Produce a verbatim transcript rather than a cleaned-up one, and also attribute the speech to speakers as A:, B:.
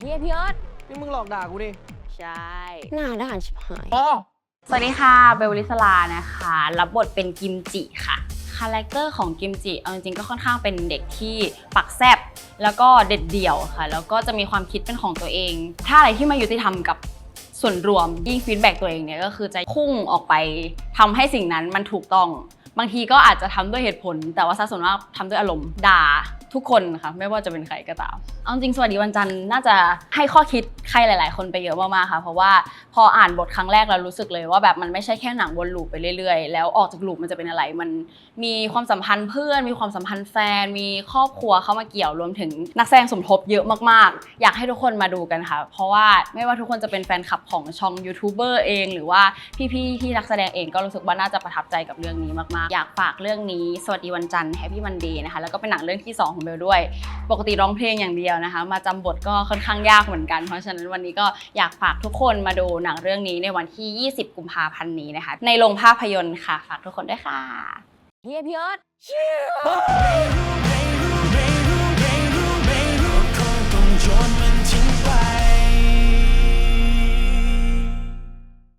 A: ฮียพี่เอิร์ธ
B: นี่มึงหลอกด่ากูดิ
A: ใช่หน้าด่านชิบหาย
B: อ๋อ
C: สวัสดีค่ะเบลลิสลานะคะรับบทเป็นกิมจิค่ะคาแรคเตอร์ของกิมจิเอาจริงๆก็ค่อนข้างเป็นเด็กที่ปักแซบแล้วก็เด็ดเดี่ยวค่ะแล้วก็จะมีความคิดเป็นของตัวเองถ้าอะไรที่มายุติธรรมกับส่วนรวมยิ่งฟีดแบ็กตัวเองเนี่ยก็คือจะพุ่งออกไปทำให้สิ่งนั้นมันถูกต้องบางทีก็อาจจะทำด้วยเหตุผลแต่ว่าซะส่วนมากทำด้วยอารมณ์ด่าทุกคนค่ะไม่ว่าจะเป็นใครก็ตามเอาจริงสวัสดีวันจันทร์น่าจะให้ข้อคิดใครหลายๆคนไปเยอะมากๆค่ะเพราะว่าพออ่านบทครั้งแรกเรารู้สึกเลยว่าแบบมันไม่ใช่แค่หนังวนลูปไปเรื่อยๆแล้วออกจากลูปมันจะเป็นอะไรมันมีความสัมพันธ์เพื่อนมีความสัมพันธ์แฟนมีครอบครัวเข้ามาเกี่ยวรวมถึงนักแสดงสมทบเยอะมากๆอยากให้ทุกคนมาดูกันค่ะเพราะว่าไม่ว่าทุกคนจะเป็นแฟนคลับของช่องยูทูบเบอร์เองหรือว่าพี่ๆที่นักแสดงเองก็รู้สึกว่าน่าจะประทับใจกับเรื่องนี้มากๆอยากฝากเรื่องนี้สวัสดีวันจันทร์ Happy Monday นะคะแล้วก็เป็นหนังเรื่องที่สองของเบลด้วยปกติร้องเพลงอย่างเดียวนะคะมาจำบทก็ค่อนข้างยากเหมือนกันเพราะฉะนั้นวันนี้ก็อยากฝากทุกคนมาดูหนังเรื่องนี้ในวันที่ยี่สิบกุมภาพันธ์นี้นะคะในโรงภาพยนตร์ค่ะฝากทุกคนด้วยค่ะ
A: เฮียพี่เอิร์ธ